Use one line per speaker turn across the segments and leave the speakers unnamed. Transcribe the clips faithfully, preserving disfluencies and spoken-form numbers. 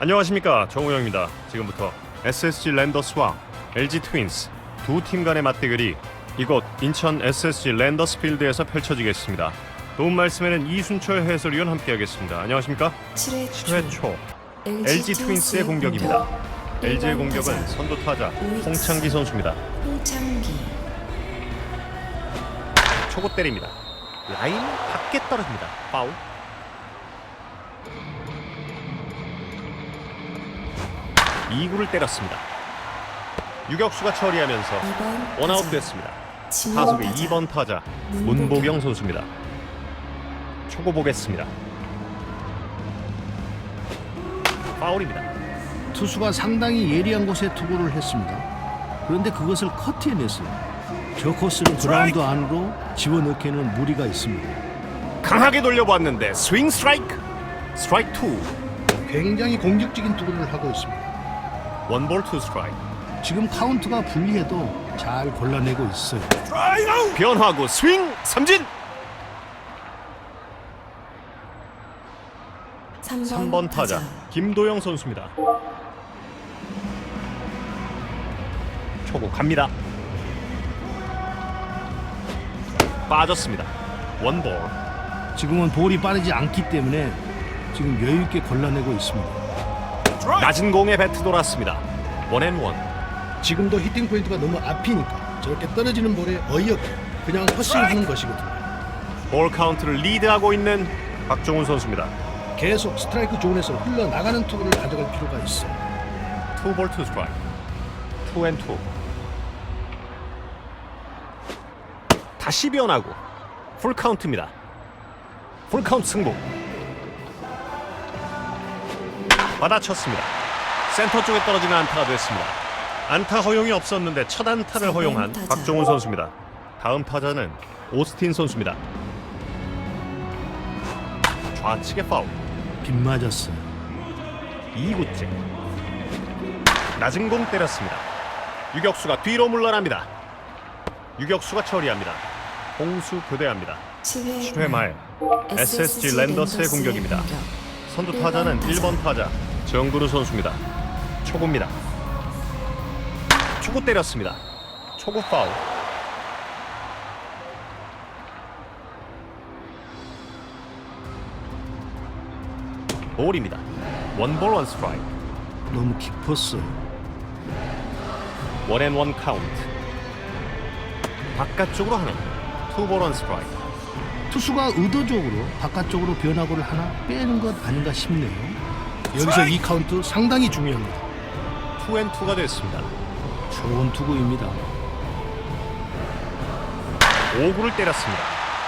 안녕하십니까, 정우영입니다. 지금부터 에스에스지 랜더스와 엘지 트윈스 두 팀 간의 맞대결이 이곳 인천 에스에스지 랜더스 필드에서 펼쳐지겠습니다. 도움 말씀에는 이순철 해설위원 함께하겠습니다. 안녕하십니까?
칠 회
칠 회 초 엘지 트윈스의 공격입니다. 엘지의 공격은 선두 타자 홍창기 선수입니다.
홍창기
초고 때립니다. 라인 밖에 떨어집니다. 파울. 이 구를 때렸습니다. 유격수가 처리하면서 원아웃 됐습니다. 타석의 이 번 타자 문보경 선수입니다. 초고 보겠습니다. 파울입니다.
투수가 상당히 예리한 곳에 투구를 했습니다. 그런데 그것을 커트해냈어요. 저 코스를 그라운드 안으로 집어넣기에는 무리가 있습니다.
강하게 돌려보았는데 스윙 스트라이크. 스트라이크 투.
굉장히 공격적인 투구를 하고 있습니다.
원볼 투 스트라이크.
지금 카운트가 불리해도 잘 골라내고 있어요.
변화구 스윙 삼진. 삼 번 타자 김도영 선수입니다. 초구 갑니다. 빠졌습니다. 원볼.
지금은 볼이 빠르지 않기 때문에 지금 여유있게 골라내고 있습니다.
낮은 공에 배트 돌았습니다. 원앤원.
지금도 히팅 포인트가 너무 앞이니까 저렇게 떨어지는 볼에 어이없게 그냥 허스윙하는 것이거든요.
볼 카운트를 리드하고 있는 박종훈 선수입니다.
계속 스트라이크 존에서 흘러나가는 투구를 가져갈 필요가 있어요.
투볼 투 스트라이크. 투앤투. 다시 변하고 풀 카운트입니다. 풀 카운트 승부. 받아쳤습니다. 센터 쪽에 떨어지는 안타가 됐습니다. 안타 허용이 없었는데 첫 안타를 허용한 박종훈 선수입니다. 다음 타자는 오스틴 선수입니다. 좌측에 파울.
빗 맞았어요.
이 구째. 낮은 공 때렸습니다. 유격수가 뒤로 물러납니다. 유격수가 처리합니다. 공수 교대합니다. 칠 회 말 에스에스지 랜더스의 공격입니다. 선두 타자는 일 번 타자 정근우 선수입니다. 초구입니다. 초구 때렸습니다. 초구 파울. 볼입니다. 원볼 원 스트라이크.
너무 깊었어요.
원앤원 카운트. 바깥쪽으로 하나. 투볼 원 스트라이크.
투수가 의도적으로 바깥쪽으로 변화구를 하나 빼는 것 아닌가 싶네요. 여기서 이 카운트 상당히 중요합니다.
투앤투가 됐습니다.
좋은 투구입니다.
오 구를 때렸습니다.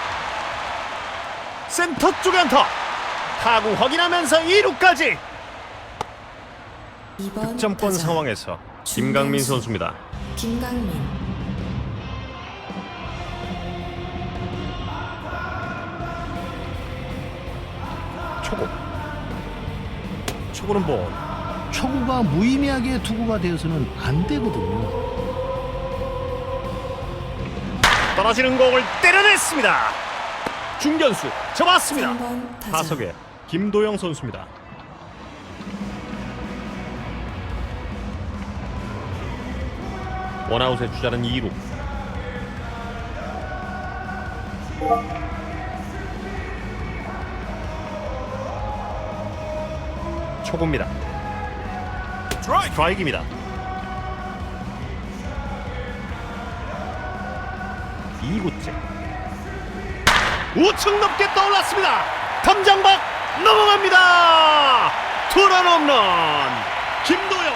센터 쪽에 안타. 타구 확인하면서 이 루까지. 득점권 상황에서 김강민 선수입니다.
김강민
초구. 초구는 볼.
초구가 무의미하게 투구가 되어서는 안 되거든요.
떨어지는 공을 때려냈습니다. 중견수 잡았습니다.
삼 번 타자
타석에 김도영 선수입니다. 원아웃의 주자는 이 루. 초구입니다. 스트라이크입니다. 이 구째. 우측 높게 떠올랐습니다. 담장 밖 넘어갑니다. 투런 홈런 김도영.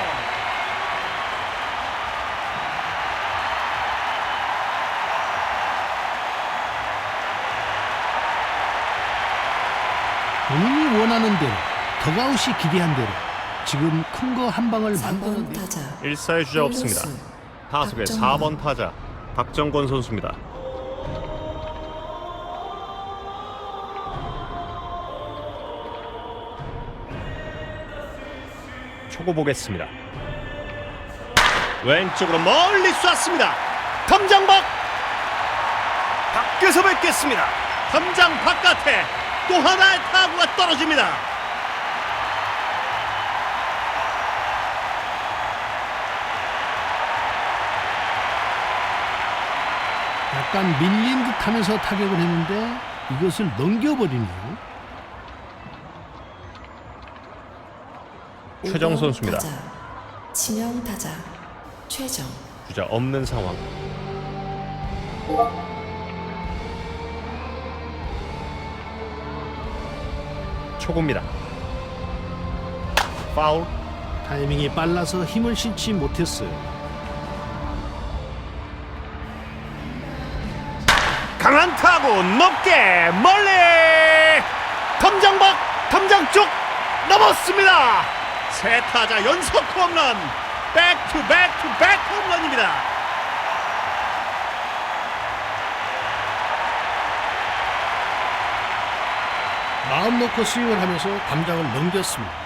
본인이 원하는 대로 더가웃이 기대한 대로 지금 큰 거 한 방을
삼 번
만들어내.
타자
일 사의 주자 없습니다. 타석의 사 번 타자 박정권 선수입니다. 초구 보겠습니다. 왼쪽으로 멀리 쐈습니다. 담장 밖. 밖에서 뵙겠습니다. 담장 바깥에 또 하나의 타구가 떨어집니다.
약간 밀린 듯 하면서 타격을 했는데 이것을 넘겨버리네요.
최정 선수입니다.
타자, 지명 타자 최정.
주자 없는 상황. 초구입니다. 파울.
타이밍이 빨라서 힘을 실지 못했어요.
강한 타구 높게 멀리 덤장 밖 덤장 쪽 넘었습니다. 세 타자 연속 홈런. 백투백투백 홈런입니다.
마음 놓고 스윙을 하면서 담장을 넘겼습니다.